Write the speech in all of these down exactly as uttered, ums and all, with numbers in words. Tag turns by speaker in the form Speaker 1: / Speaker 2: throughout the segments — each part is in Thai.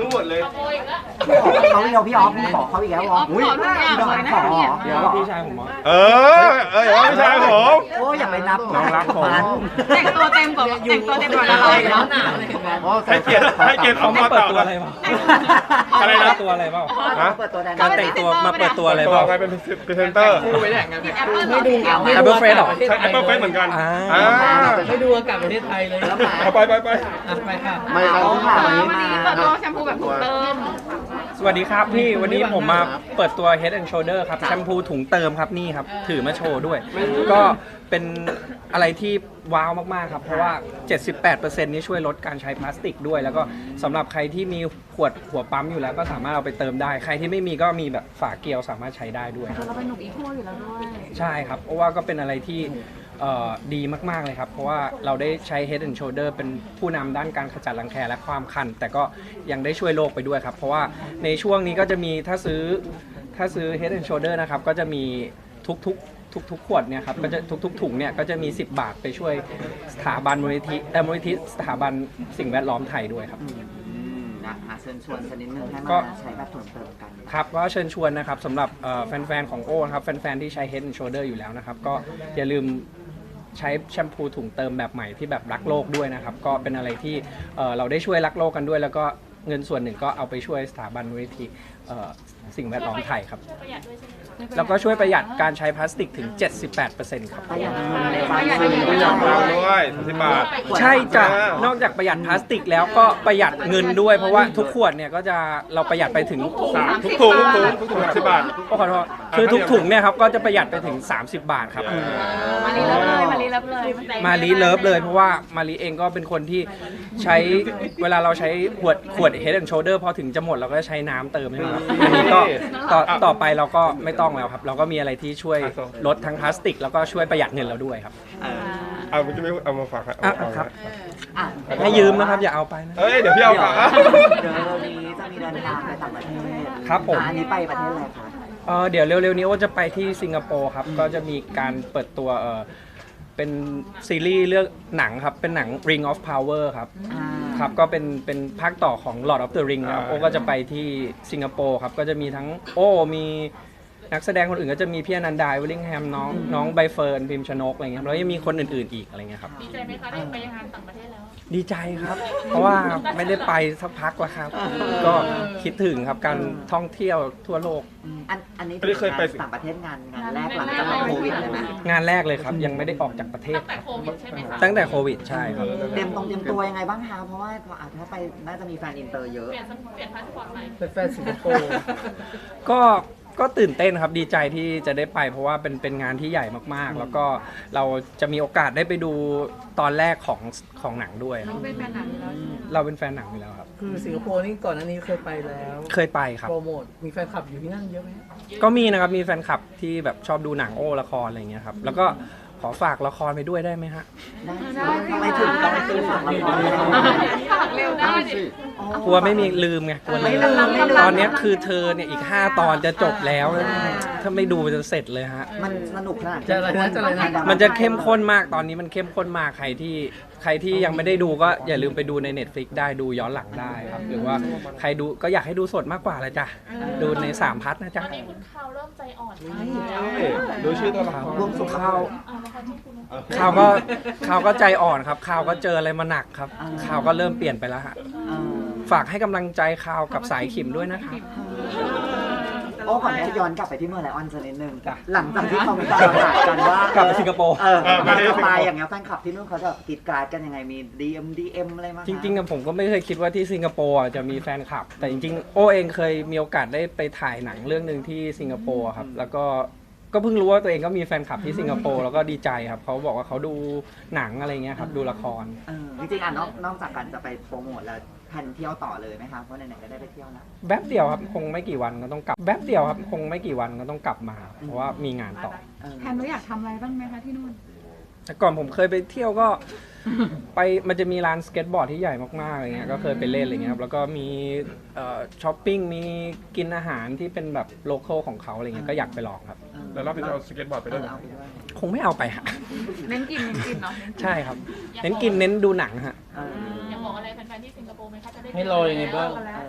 Speaker 1: รู้หมดเลย
Speaker 2: เขาเดียวพี่ออฟขอเขาอีกแล้ววะอุ้ยพี่ดองขอ
Speaker 3: เดี๋ยวพี่ชายผม
Speaker 1: เออเอออย่าว่าพี่ชายผม
Speaker 2: โอ้อย่าไปนับ
Speaker 3: น้องรักผม
Speaker 4: แต่งตัวเต็มกว่าแต่งตัวเต็มกว่าอะไรแล้วหนา
Speaker 1: ให้เกียรติให้เกียรติเขามา
Speaker 3: เปิด
Speaker 1: ต่อ
Speaker 3: ตัวอะไรบ้าง
Speaker 1: อะไรนะ
Speaker 3: ตัวอะไรบ้าง
Speaker 2: เปิดตัวแดน
Speaker 3: การแต่งตัวมาเปิดตัวอะไร
Speaker 1: ตัว
Speaker 3: บ้าง
Speaker 1: ไงเป็นพรีเซนเตอร์
Speaker 4: ไม่ดู
Speaker 3: Apple Face หรอ
Speaker 1: ใช่ Apple Face เหมือนกันอ่า
Speaker 4: ไม่ดูอากาศประเทศไทยเลยแล้วมา
Speaker 1: เอาไปไปไป
Speaker 4: ไปค่ะ
Speaker 2: ไม่เอาค่ะวันนี้มา
Speaker 4: เปิดตัวแชมพูแบบถุงเติม
Speaker 3: สวัสดีครับพี่วันนี้ผมมาเปิดตัว Head and Shoulder ครับแชมพูถุงเติมครับนี่ครับถือมาโชว์ด้วยก็เป็นอะไรที่ว้าวมากๆครับเพราะว่า เจ็ดสิบแปดเปอร์เซ็นต์ นี้ช่วยลดการใช้พลาสติกด้วยแล้วก็สำหรับใครที่มีขวดหัวปั๊มอยู่แล้วก็สามารถเอาไปเติมได้ใครที่ไม่มีก็มีแบบฝาเกลียวสามารถใช้ได้ด้วย
Speaker 5: เราเป็นหนุ่มอีโคอยู่แล้วด้วย
Speaker 3: ใช่ครับเพราะว่าก็เป็นอะไรที่ดีมากๆเลยครับเพราะว่าเราได้ใช้ Head and Shoulder เป็นผู้นำด้านการขจัดรังแคและความคันแต่ก็ยังได้ช่วยโลกไปด้วยครับเพราะว่าในช่วงนี้ก็จะมีถ้าซื้อถ้าซื้อ Head and Shoulder นะครับก็จะมีทุกๆทุกๆขวดเนี่ยครับก็จะทุกๆถุงเนี่ยก็จะมีสิบบาทไปช่วยสถาบันมูลนิธิเอ่อมูลนิธิสถาบันสิ่งแวดล้อมไทยด้วยครับ
Speaker 2: นะหาเชิญชวนสักนิดนึงให้มาใช้แบบถุงเติมกัน
Speaker 3: ครับก็เชิญชวนนะครับสำหรับแฟนๆของโอ้ครับแฟนๆที่ใช้ Head and Shoulder อยู่แล้วนะครับก็อย่าลืมใช้แชมพูถุงเติมแบบใหม่ที่แบบรักโลกด้วยนะครับก็เป็นอะไรที่เราได้ช่วยรักโลกกันด้วยแล้วก็เงินส่วนหนึ่งก็เอาไปช่วยสถาบันมูลนิธิสิ่งแวดล้อมไทยครับแล้วก็ช่วยประหยัดการใช้พลาสติกถึง เจ็ดสิบแปดเปอร์เซ็นต์ ครับ
Speaker 2: ประหยัด
Speaker 1: ประหยัดด้วยสิบบาท
Speaker 3: ใช่จ้ะนอกจากประหยัดพลาสติกแล้วก็ประหยัดเงินด้วยเพราะว่าทุกขวดเนี่ยก็จะเราประหยัดไปถึง
Speaker 1: ทุกถุงทุกถุงทุกถุงสิบบาท
Speaker 3: ขอโทษคือทุกถุงเนี่ยครับก็จะประหยัดไปถึงสามสิบบาทครับ
Speaker 5: มารีเลิฟเลยมารีเลิฟเลย
Speaker 3: มารีเลิฟเลยเพราะว่ามารีเองก็เป็นคนที่ใช้เวลาเราใช้ขวดขวด Head and Shoulder พอถึงจะหมดเราก็ใช้น้ำเติมใช่ไหมครับอันนี้ก็ต่อต่อไปเราก็ไม่ต้องแล้วครับเราก็มีอะไรที่ช่วยลดทั้งพลาสติกแล้วก็ช่วยประหยัดเงินเราด้วยครับ
Speaker 1: เอาไม่จะไม่เอามาฝาก
Speaker 3: ครับให้ยืมนะครับอย่าเอาไปนะ
Speaker 1: เอ้ยเดี๋ยวพี่เอาฝาก
Speaker 2: เดี๋ยวเรานี้จะมีเดินทางไปต่างประเทศ
Speaker 3: ครับผม
Speaker 2: อันนี้ไปประเทศอะไรคะ
Speaker 3: เออเดี๋ยวเร็วๆนี้ว่าจะไปที่สิงคโปร์ครับก็จะมีการเปิดตัวเออเป็นซีรีส์เรื่องหนังครับเป็นหนัง Ring of Power ครับครับก็เป็นเป็นภาคต่อของ Lord of the Ring นะครับโอ้ก็จะไปที่สิงคโปร์ครับก็จะมีทั้งโอ้มีนักแสดงคนอื่นก็จะมีพี่อนันดาวิลลิงแฮมน้องน้องใบเฟิร์นพิมชนกอะไรเงี้ยแล้วยังมีคนอื่นๆอีกอะไรเงี้ยครับ
Speaker 5: ดีใจไหมคะได้ไปงานต่างประเทศแล้ว
Speaker 3: ดีใจครับเพราะว่าไม่ได้ไปสักพักแล้วครับก็คิดถึงครับการท่องเที่ยวทั่วโลก
Speaker 2: อันอันนี้เคยไปต่างประเทศงานงานแรกหลังจากโควิดเลยไหม
Speaker 3: งานแรกเลยครับยังไม่ได้ออกจากประเทศ
Speaker 5: ตั้งแต่โควิดใช่ไหมคะ
Speaker 3: ตั้งแต่โควิดใช่ครับ
Speaker 2: เตรียมตรงเตรียมตัวยังไงบ้างคะเพราะว่าถ้าไปน่าจะมีแฟนอินเตอร์เยอะ
Speaker 5: เปลี่ยนเปลี่ยนพาสปอร์ตใหม่
Speaker 4: เป็นแฟนสิงคโปร์
Speaker 3: ก็ก็ตื่นเต้นครับดีใจที่จะได้ไปเพราะว่าเป็นเป็นงานที่ใหญ่มากๆแล้วก็เราจะมีโอกาสได้ไปดูตอนแรกของของหนังด้วย
Speaker 5: เราเป็นแฟนหนังแล้ว
Speaker 3: เราเป็นแฟนหนังอยู่แล้วครับ
Speaker 4: คือสิงคโปร์นี่ก่อนหน้านี้เคยไปแล้ว
Speaker 3: เคยไปครับ
Speaker 4: โปรโมทมีแฟนคลับอยู่ที่นั่นเยอะไหม
Speaker 3: ก็มีนะครับมีแฟนคลับที่แบบชอบดูหนังโอ้ละครอะไรเงี้ยครับแล้วก็ขอฝากละครไปด้วยได้ไหมฮะ
Speaker 2: ได้ไม่ถึงต้องไปซื้อฝากละคร
Speaker 5: ฝากเร็วได้ดิ
Speaker 3: กลัวไม่มีลืมไงกลัวลืมตอนนี้คือเธอเนี่ยอีกห้าตอนจะจบแล้วถ้าไม่ดูจะเสร็จเลยฮะ
Speaker 2: มันสนุกขนาด
Speaker 4: จะอะไรนะจะอะไรนะ
Speaker 3: มันจะเข้มข้นมากตอนนี้มันเข้มข้นมากใครที่ใครที่ยังไม่ได้ดูก็อย่าลืมไปดูใน Netflix ได้ดูย้อนหลังได้ครับหรือว่าใครดูก็อยากให้ดูสดมากกว่าเลยจ้ะดูในสามพัทนะจ๊ะ
Speaker 5: ตอนนี้คุณข่าวเริ่มใจอ่อน
Speaker 1: ดูชื่อตัวละคร
Speaker 2: รวมสุขข่าว
Speaker 3: ข่าวก็ข่าวก็ใจอ่อนครับข่าวก็เจออะไรมาหนักครับข่าวก็เริ่มเปลี่ยนไปแล้วฮะฝากให้กำลังใจข่าวกับสายขิมด้วยนะครับ
Speaker 2: โอ้ก่อนที่ย้อนกลับไปที่เมืองไลออนสักนิดนึงหลังจากที่เขามีการประกาศกันว่าก
Speaker 3: ลับไปสิงคโปร์
Speaker 2: เออมาไปอย่างเงี้ยแฟนคลับที่นู่นเขาจะติดการ์ดกันยังไงมี ดี เอ็ม ดี เอ็ม อะไรมา
Speaker 3: จริงๆผมก็ไม่เคยคิดว่าที่สิงคโปร์จะมีแฟนคลับแต่จริงๆโอเองเคยมีโอกาสได้ไปถ่ายหนังเรื่องนึงที่สิงคโปร์ครับแล้วก็ก็เพิ่งรู้ว่าตัวเองก็มีแฟนคลับที่สิงคโปร์แล้วก็ดีใจครับเขาบอกว่าเขาดูหนังอะไรเงี้ยครับดูละคร
Speaker 2: จริงๆอ่ะนอกจากการจะไปโปรโมทแล้วแผนเที่ยวต่อเลยไหมครับเพราะไหนๆก็ได้ไปเที่ยวแล้ว
Speaker 3: แป๊บเดียวครับคงไม่กี่วันก็ต้องกลับแป๊บเดียวครับคงไม่กี่วันก็ต้องกลับมาเพราะว่ามีงานต่อ
Speaker 5: แผนเราอยากทำอะไรบ้างไหมคะที่นู่น
Speaker 3: แต่ก่อนผมเคยไปเที่ยวก็ไปมันจะมีร้านสเก็ตบอร์ดที่ใหญ่มากๆอะไรเงี้ยก็เคยไปเล่นอะไรเงี้ยครับแล้วก็มีช้อปปิ้งมีกินอาหารที่เป็นแบบโลคอลของเขาอะไรเงี้ยก็อยากไปลองครับ
Speaker 1: แล้วเราไปเอาสเก็ตบอร์ดไปด้วย
Speaker 3: คงไม่เอาไปฮะ
Speaker 5: เน้นกินเน้นกินเนาะ
Speaker 3: ใช่ครับเน้นกินเน้นดูหนังฮะ
Speaker 5: อยากบอกอะไรแฟนๆที่สิงคโปร์ไหมคะจะได้
Speaker 4: ให้รอยังไงบ้าง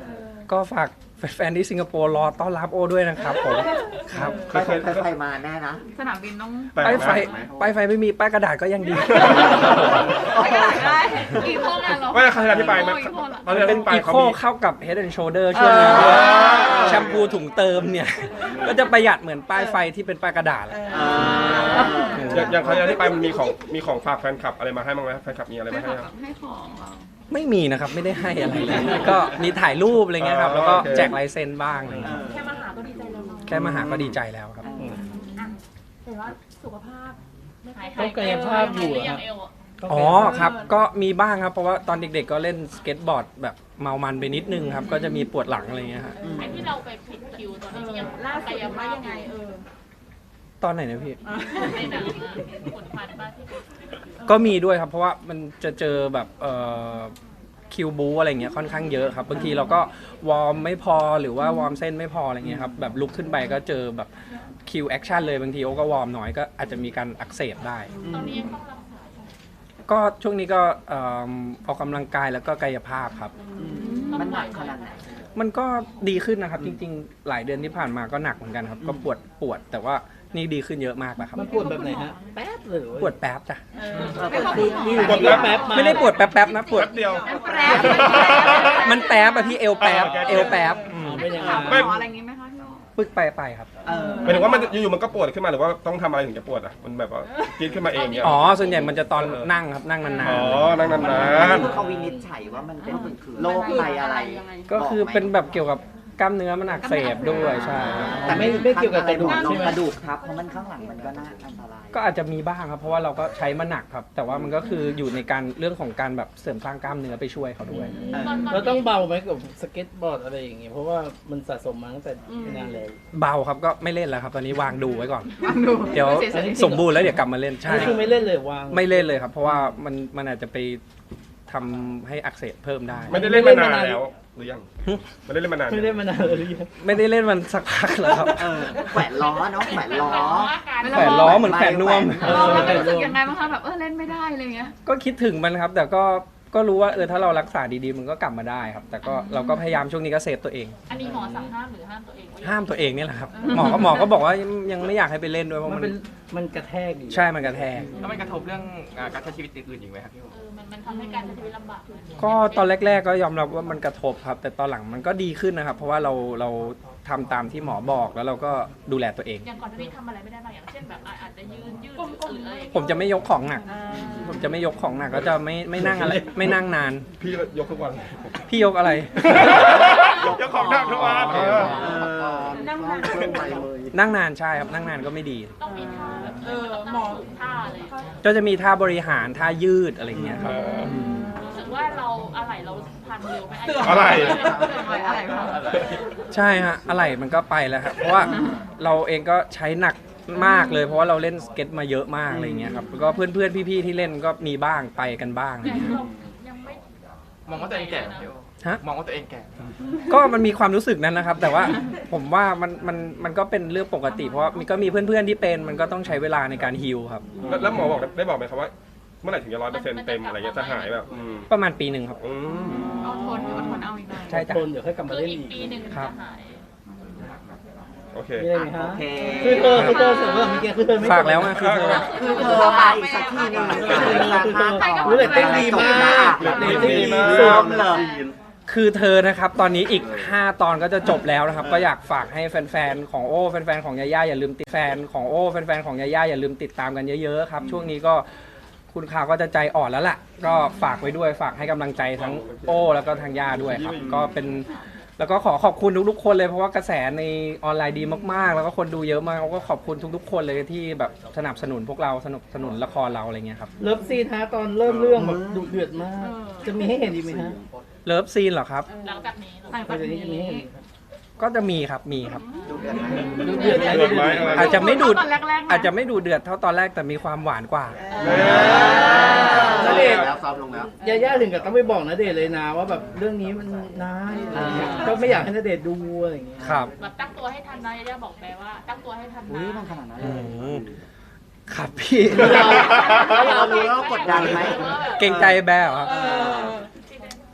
Speaker 3: ก็ฝากแฟนๆที่สิงคโปร์รอต้อนรับโอด้วยนะครับผมครับ
Speaker 2: ไปไฟไปไฟมาแน่นะ
Speaker 5: สนามบินต้อง
Speaker 1: แปลก
Speaker 3: ป้าย
Speaker 1: นะ
Speaker 3: ไฟป้ายไฟไม่มีป้ายกระดาษก็ยังดี
Speaker 5: ไม่ได้กี่โค้งอ่ะเรา
Speaker 1: ไม่ใครที่ไปไหม
Speaker 5: กี่โค้งอ่ะ
Speaker 1: ตอนที่
Speaker 3: เป็น
Speaker 1: ไป
Speaker 3: อี
Speaker 1: เขา
Speaker 3: โค
Speaker 1: มี
Speaker 3: เข้ากับ Head and Shoulder ช่วงนี้
Speaker 1: เออ
Speaker 3: แชมพูถุงเติมเนี่ย ก็จะประหยัดเหมือนป้ายไฟที่เป็นป้ายกระดาษแหละ
Speaker 1: อย่างอย่างครั้งที่ไปมันมีของมีของฝากแฟนคลับอะไรมาให้บ้างไหมแฟนคลับมีอะไร
Speaker 5: ไม่
Speaker 1: มา
Speaker 5: ข
Speaker 1: ให้
Speaker 5: อ
Speaker 1: ครับ
Speaker 5: ให้ของเรา
Speaker 3: ไม่มีนะครับ ไม่ได้ให้อะไรเลย ก็มีถ่ายรูปอะไรเงี้ยครับ แล้วก็แจกลายเซ็นบ้างอะไรเงี้ย
Speaker 5: แค่มาหาก็ดีใจแล้วเนาะ
Speaker 3: แค่มาหาก็ดีใจแล้วครับ
Speaker 5: อ่ะแต่ว่าสุขภาพไม่หาย
Speaker 4: ต้องกายภาพอยู่อะ
Speaker 5: ยังเอวอ่ะ
Speaker 3: อ๋อครับ ก็มีบ้างครับ เพราะว่าตอนเด็กๆก็เล่นสเก็ตบอร์ดแบบเมามันไปนิดนึงครับ ก็จะมีปวดหลังอะไรเงี้ยฮะ
Speaker 5: ไอ้ที่เราไปผิดคิวตอนนี้ที่ยังล่าสุดว่ายังไงเออ
Speaker 3: ตอนไหนนะพี่
Speaker 5: ในหนังผลพันบ้านที่
Speaker 3: ก็มีด้วยครับ เพราะว่ามันจะเจอแบบเอ่อคิวบูอะไรเงี้ยค่อนข้างเยอะครับบางทีเราก็วอร์มไม่พอหรือว่าวอร์มเส้นไม่พออะไรเงี้ยครับแบบลุกขึ้นไปก็เจอแบบคิวแอคชั่นเลยบางทีโอ้ก็วอร์มน้อยก็อาจจะมีการอักเสบได้
Speaker 5: ตอนนี้ยังต้องรักษา
Speaker 3: ก็ช่วงนี้ก็เอิ่มออกกำลังกายแล้วก็กายภาพครับ
Speaker 2: มันหนักขนาดไหน
Speaker 3: มันก็ดีขึ้นนะครับจริงๆ หลายเดือนที่ผ่านมาก็หนักเหมือนกันครับ ก็ปวดปวดแต่ว่านี่ดีขึ้นเยอะมากแล้วครับ
Speaker 4: มันปวดแบบไหนฮะ แป๊บเลย
Speaker 3: ปวดแป๊บจ้ะ
Speaker 5: ไม่ขอบคุณ
Speaker 4: นี่
Speaker 1: ปวด
Speaker 4: แป๊บ
Speaker 1: แป๊
Speaker 4: แป๊
Speaker 1: บ
Speaker 4: บมา
Speaker 3: ไม่ได้ปวดแป๊บๆนะปวด
Speaker 1: แป๊บเดียว
Speaker 5: แปร
Speaker 3: มันแป๊บอะพี่เอวแป๊บ
Speaker 1: เออ
Speaker 3: เอวแป๊บอืม
Speaker 4: เป็นยังไง
Speaker 5: ถามหม
Speaker 1: ไม่
Speaker 5: ออะไรอย่างงี้ไหมคะพี่โอ
Speaker 3: ปึกไปไปครับ
Speaker 2: เออ
Speaker 1: หมายถึงว่ามันอยู่ๆมันก็ปวดขึ้นมาหรือว่าต้องทำอะไรถึงจะปวดอ่ะมันแบบว่าจี๊ดขึ้นมาเองเนี่ย
Speaker 3: อ๋อ ส่วนใหญ่มันจะตอนนั่งครับนั่งนาน
Speaker 1: อ๋อนั่งนาน
Speaker 2: เขาวินิจฉัยว่ามันเป็นโรคไตอะไร
Speaker 3: ๆ ก็คือเป็นแบบเกี่ยวกับกล้ามเนื้อมันอักเสบด้วยใช่
Speaker 2: แต่ไม่
Speaker 4: ไม่เกี่ยวกับกระดูก
Speaker 2: ล
Speaker 4: ใช่
Speaker 2: ง
Speaker 4: ไหม
Speaker 2: กระดูกครับเพราะมันข้างหลังมันก็น่าอันตราย
Speaker 3: ก็อาจจะมีบ้างครับ เพราะว่าเราก็ใช้มาหนักครับ แต่ว่ามันก็คืออยู่ในการเรื่องของการแบบเสริมสร้างกล้ามเนื้อไปช่วยเขาด้วย
Speaker 4: เราต้องเบาไหมกับสเก็ตบอร์ดอะไรอย่างเงี้ยเพราะว่ามันสะสมมาตั้งแต่นานแล้ว
Speaker 3: เบาครับก็ไม่เล่นแล้วครับ ตอนนี้วางดูไว้ก่อน เดี๋ยวสมบูรณ์แล้วเดี๋ยวกลับมาเล่นใช่
Speaker 4: นี่คือไม่เล่นเลยวาง
Speaker 3: ไม่เล่นเลยครับ เพราะว่ามันมันอาจจะไปทำให้อักเสบเพิ่มได้
Speaker 1: ๆไม่ได้เล่นมานานแล้วหรือยังไม่ได้เล่นมานาน
Speaker 4: ไม่เล่นมานานเลยหรือยัง
Speaker 3: ไม่ได้เล่นมันสักพักแล้วครับ
Speaker 2: เออแขวนล้อเนาะแขวนล้อ
Speaker 3: แขวนล้อเหมือนแขวนนวม
Speaker 5: เออเรารู้สึกยังไงบ้างคะแบบเออเล่นไม่ได้อะไรเงี้ย
Speaker 3: ก็คิดถึงมันครับ แต่ก็ก็รู้ว่าเออถ้าเรารักษาดีๆมันก็กลับมาได้ครับ แต่ก็เราก็พยายามช่วงนี้ก็เซฟตัวเอง
Speaker 5: อันนี้หมอสั่งห้ามหรือห้ามตัวเอง
Speaker 3: ห้ามตัวเองนี่แหละครับ หมอก็หมอก็บอกว่ายังไม่อยากให้ไปเล่นด้วยเพราะ
Speaker 4: มัน
Speaker 3: มัน
Speaker 4: เป็นมันกระแทกอยู่
Speaker 3: ใช่มันกระแทก
Speaker 6: แล้วมันกระทบเรื่องอ่าการใช้ชีวิตอื่นๆอีกไหมครับพี่โอ
Speaker 5: เออมันมันทำให้การใช้ชีวิตลำบากขึ้น
Speaker 3: ก็ตอนแรก ๆ ก็ยอมรับว่ามันกระทบครับ แต่ตอนหลังมันก็ดีขึ้นนะครับ เพราะว่าเราเราทำตามที่หมอบอกแล้วเราก็ดูแลตัวเอง
Speaker 5: อย่างก่อนหน้านี้ทำอะไรไม่ได้บางอย่างเช่นแบบอาจจะยืนยืดหรืออะไร
Speaker 3: ผมจะไม่ยกของหนัก ผมจะไม่ยกของหนักก็จะไม่ไม่นั่งอะไรไม่นั่งนาน
Speaker 1: พี่ยกทุกวัน
Speaker 3: พี่ยกอะไร
Speaker 1: ยกของหนักทุกวันเออ
Speaker 5: นั่งนาน
Speaker 3: นั่งนานใช่ครับนั่งนานก็ไม่ดี
Speaker 5: ต้องมีท่าแบบเออหมอท่าอะไร
Speaker 3: ก็จะมีท่าบริหารท่ายืดอะไรอย่างเงี้ยครับ
Speaker 5: รู้สึกว่าเราอะไรเราพันเร็วไหม
Speaker 1: อะไร
Speaker 5: อะไรพัง
Speaker 3: ใช่ฮะอะไรมันก็ไปแล้วครับเพราะว่าเราเองก็ใช้หนักมากเลย เพราะว่าเราเล่นสเก็ตมาเยอะมากอะไรอย่างเงี้ยครับแล้วก็เพื่อนๆพี่ๆที่เล่นก็มีบ้างไปกันบ้างอะไรอย่างเงี้ย
Speaker 5: ยังไม่
Speaker 6: มองว่าตัวเองแก่ไหมพี่โอ
Speaker 3: ฮะ
Speaker 6: มองว่าตัวเองแก่
Speaker 3: ก็มันมีความรู้สึกนั้นนะครับ แต่ว่าผมว่ามันมันมันก็เป็นเรื่องปกติ เพราะว่ามีก็มีเพื่อนๆที่เป็นมันก็ต้องใช้เวลาในการฮีลครับ
Speaker 1: แล้วแล้วหมอบอกได้บอกไหมครับว่า เมื่อไหร่ถึงจะร้อยเปอร์เซ็นต์เต็มอะไรเงี้ยจะหายแบบอืม
Speaker 3: ประมาณปีหนึ่งครับ
Speaker 1: อืม
Speaker 5: เอาทนอดทนเอาอีกหน่อย
Speaker 3: ใช่จ้ะ
Speaker 4: ทนเดี๋ยวค่อยกลับมา
Speaker 5: คือ
Speaker 4: เล่น
Speaker 5: อีก
Speaker 4: อีก
Speaker 5: ปีหนึ่งจะหาย
Speaker 1: โอเค
Speaker 4: มีอะไรไหมฮะ
Speaker 2: โอเค
Speaker 4: คือเธอคือเธอเสริมว่าเมื่อกี้คือเธอไม่
Speaker 3: ฝากแล้วไงคือเธอ
Speaker 2: คือเธอไปอีกสักทีหนึง
Speaker 4: คือเธอรู้เลยเต้นดีมากเลยเต้นดี
Speaker 2: ซ้
Speaker 4: สุ
Speaker 2: อ
Speaker 4: ด
Speaker 2: มเลย
Speaker 3: คือเธอนะครับตอนนี้อีกห้าตอนก็จะจบแล้วนะครับ ก็อยากฝากให้แฟนๆของโอ้แฟนๆของยาย่าอย่าลืมติดแฟนของโอ้แฟนๆของยาย่าอย่าลืมติดตามกันเยอะๆครับช่วงนี้ก็คุณข่าวก็จะใจอ่อนแล้วล่ะก็ฝากไว้ด้วยฝากให้กำลังใจทั้งโอ้แล้วก็ทางย่าด้วยครับก็เป็นแล้วก็ขอขอบคุณทุกๆคนเลยเพราะว่ากระแสในออนไลน์ดีมากๆ แล้วก็คนดูเยอะมากก็ขอบคุณทุกๆ คนเลยที่แบบสนับสนุนพวกเราสนับสนุนละครเราอะไรเงี้ยครับ
Speaker 4: เลิฟซีนฮะตอนเริ่มเรื่องแบบดุเดือดมาก จะมีให้เห็นอีกไหมฮะ
Speaker 3: เลิฟซีนเหรอครับ
Speaker 5: หลังจากนี้หลัง
Speaker 4: หลั
Speaker 5: จาง ก
Speaker 4: จากนี้จะมี
Speaker 5: นี้
Speaker 4: ให้เห็นอีกไหม
Speaker 3: ก็จะมีครับมีครับ
Speaker 4: ดุเดือดไหม
Speaker 1: เดือดไหมอะไร
Speaker 3: อาจจะไม่ดูด
Speaker 5: ตอนแรกๆ
Speaker 3: อาจจะไม่ดูเดือดเท่าตอนแรกแต่มีความหวานกว่า
Speaker 4: ณเดชน์
Speaker 2: แล้วซ้อมลงแล้ว
Speaker 4: ยาย่าถึงกับต้องไปบอกณเดชน์เลยนะว่าแบบเรื่องนี้มันนายอะไรเงี้ยก็ไม่อยากให้ณเดชน์ดูอะไรอย่างเงี้ย
Speaker 3: ครับ
Speaker 5: แบบตั้งตัวให้ทันนะย่าบอกแปลว่าตั้งตัวให้ทัน
Speaker 2: อุ้ย
Speaker 5: นะ
Speaker 2: มันขนาดนั้นเล
Speaker 3: อื
Speaker 2: ย
Speaker 3: มครับพี่
Speaker 2: เรารู้แล้วกดดันไหม
Speaker 3: เกรงใจแบร์เหรอครับ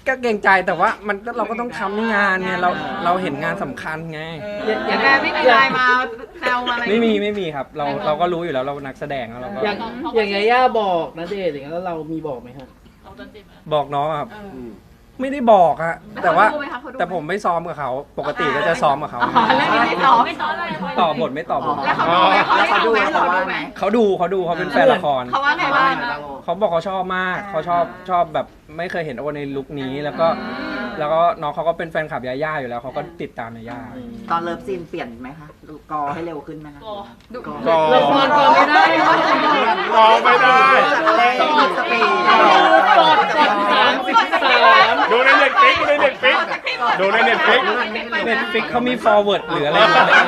Speaker 3: ก็เกรงใจแต่ว่ามันก็เราก็ต้องทำในงานไงเราเราเห็นงานสำคัญไง
Speaker 4: อย่าง
Speaker 5: แต่ไม่มีไลน์มาแซวมาอะไร
Speaker 3: ไม่มีไม่มีครับ เราเราก็รู้อยู่แล้วเรานักแสดงแล้วเราก็
Speaker 4: อย่างอย่างยาย่าบอกนะเดชน์อย่างนั้นแล้วเรามีบอกไหมครับ
Speaker 5: ของจันจิไหม
Speaker 3: บอกน้องครับ
Speaker 5: เออ
Speaker 3: ไม่ได้บอกอะแต่ว่า
Speaker 5: เขาดูไหมคะเขาดูไหม
Speaker 3: แต่ผมไม่ซ้อมกับเขาปกติก็จะซ้อมกับเขา
Speaker 5: อ๋อแล้วนี่ไม่ตอบไม่ตอบเลย
Speaker 3: ต่อบทไม่ต่อบท
Speaker 5: แล้วเขาดูไหมเขา
Speaker 2: แล้วเขาดู
Speaker 5: ไหม
Speaker 2: เขา
Speaker 5: เขา
Speaker 2: ว่า
Speaker 5: ดู
Speaker 2: ไห
Speaker 5: ไห
Speaker 2: ม
Speaker 5: ม
Speaker 3: เขาดูเขาดูเขาเป็นแฟนละคร
Speaker 5: เขาว่าไงบ้าง
Speaker 3: เขาบอกเขาชอบมากเขาชอบชอบแบบไม่เคยเห็นโอในลุคนี้แล้วก็แล้วก็น้องเขาก็เป็นแฟนคลับยาย่าอยู่แล้วเขาก็ติดตามยาย่า
Speaker 2: ตอนเลิฟซีนเปลี่ยนไหมคะดูกอให้เร็วขึ้นไหมคะ
Speaker 5: ดู
Speaker 2: กอ
Speaker 1: กอ
Speaker 4: ละครกอไม่ได้
Speaker 1: กอไม่ได้
Speaker 2: อะไรสปีด
Speaker 4: กดกดสามสิบสาม
Speaker 1: ดูในเน็ตฟิกดูในเน็ตฟิกดูในเน็ตฟิก
Speaker 3: เน็ตฟิกเขามี forward หรืออะไรอย่างเงี้ย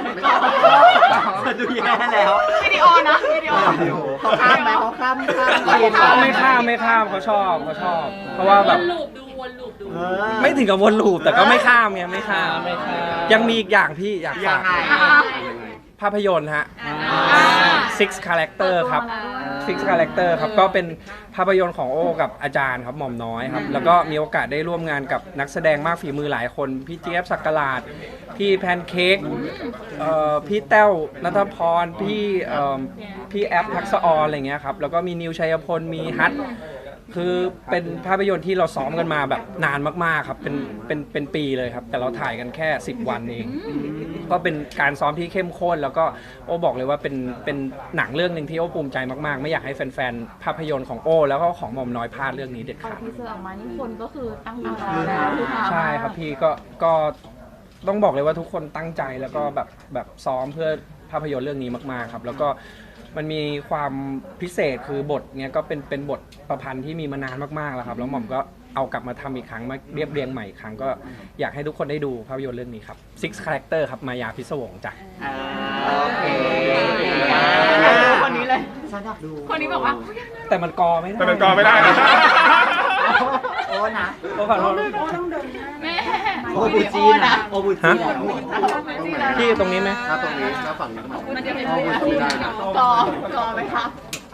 Speaker 2: ดูแย่แล้ว
Speaker 5: วิดีโอนะวิดีโอ
Speaker 2: เขาข้ามไหมเขาข้ามข้าม
Speaker 3: ไม่ข้ามไม่ข้ามเขาชอบเขาชอบ เพราะว่าแบบ
Speaker 5: ลูปดูวนลูปดู
Speaker 2: เออ
Speaker 3: ไม่ถึงกับวนลูปแต่ก็ไม่ข้ามไงไม่ข้าม
Speaker 4: ไม่ค่ะ
Speaker 3: ยังมีอีกอย่างพี่อยาก
Speaker 2: ยั
Speaker 3: ฝาง ก
Speaker 2: ไง
Speaker 3: ภาพยนตร์ฮะ six character ครับ six character ครับก็เป็นภาพยนตร์ของโอ้กับอาจารย์ครับหม่อมน้อยครับแล้วก็มีโอกาสได้ร่วมงานกับนักแสดงมากฝีมือหลายคนพี่เจี๊ยบศักราชพี่แพนเค้กเอ่อพี่แต้วนัทพรพี่เอ่อพี่แอปทักษะออนอะไรเงี้ยครับแล้วก็มีนิวชัยพลมีฮัทคือเป็นภาพยนตร์ที่เราซ้อมกันมาแบบนานมากๆครับเป็นเป็นเป็นปีเลยครับแต่เราถ่ายกันแค่สิบวันเอง ก็เป็นการซ้อมที่เข้มข้นแล้วก็โอ้บอกเลยว่าเป็นเป็นหนังเรื่องหนึ่งที่โอ้ภูมิใจมากๆ ไม่อยากให้แฟนๆภาพยนตร์ของโอ้แล้วก็ของหม่อมน้อยพลาดเรื่องนี้เด็ด
Speaker 5: พอ
Speaker 3: ขาด
Speaker 5: ทีเซอร์ออกมานี่คนก็คือตั้งตารอแล้วคือ
Speaker 3: ใช่ครับพี่ก็ก็ต้องบอกเลยว่าทุกคนตั้งใจแล้วก็แบบแบบซ้อมเพื่อภาพยนตร์เรื่องนี้มากๆครับแล้วก็มันมีความพิเศษคือบทเนี้ยก็เป็นเป็นบทประพันธ์ที่มีมานานมากๆแล้วครับแล้วหม่อมก็เอากลับมาทำอีกครั้งมาเรียบเรียงใหม่อีกครั้งก็อยากให้ทุกคนได้ดูภาพยนตร์เรื่องนี้ครับ Six Character ครับมายาพิศวงจ้ะ
Speaker 2: อ่าโอเค
Speaker 5: คนนี้เลย
Speaker 2: ฉันอยากดู
Speaker 5: คนนี้บอกว่า
Speaker 3: แต่มันกอไม่ได้
Speaker 1: แต่เป็นกอไม่ได้นะ
Speaker 2: โอ้นะ
Speaker 3: โอ้ขอโทษ
Speaker 5: แม่
Speaker 2: โอบูจีนะโอบูจีนะ
Speaker 3: พี่ตรงนี้ไหม
Speaker 5: มันจะเป็นกอกอกอไหมคะ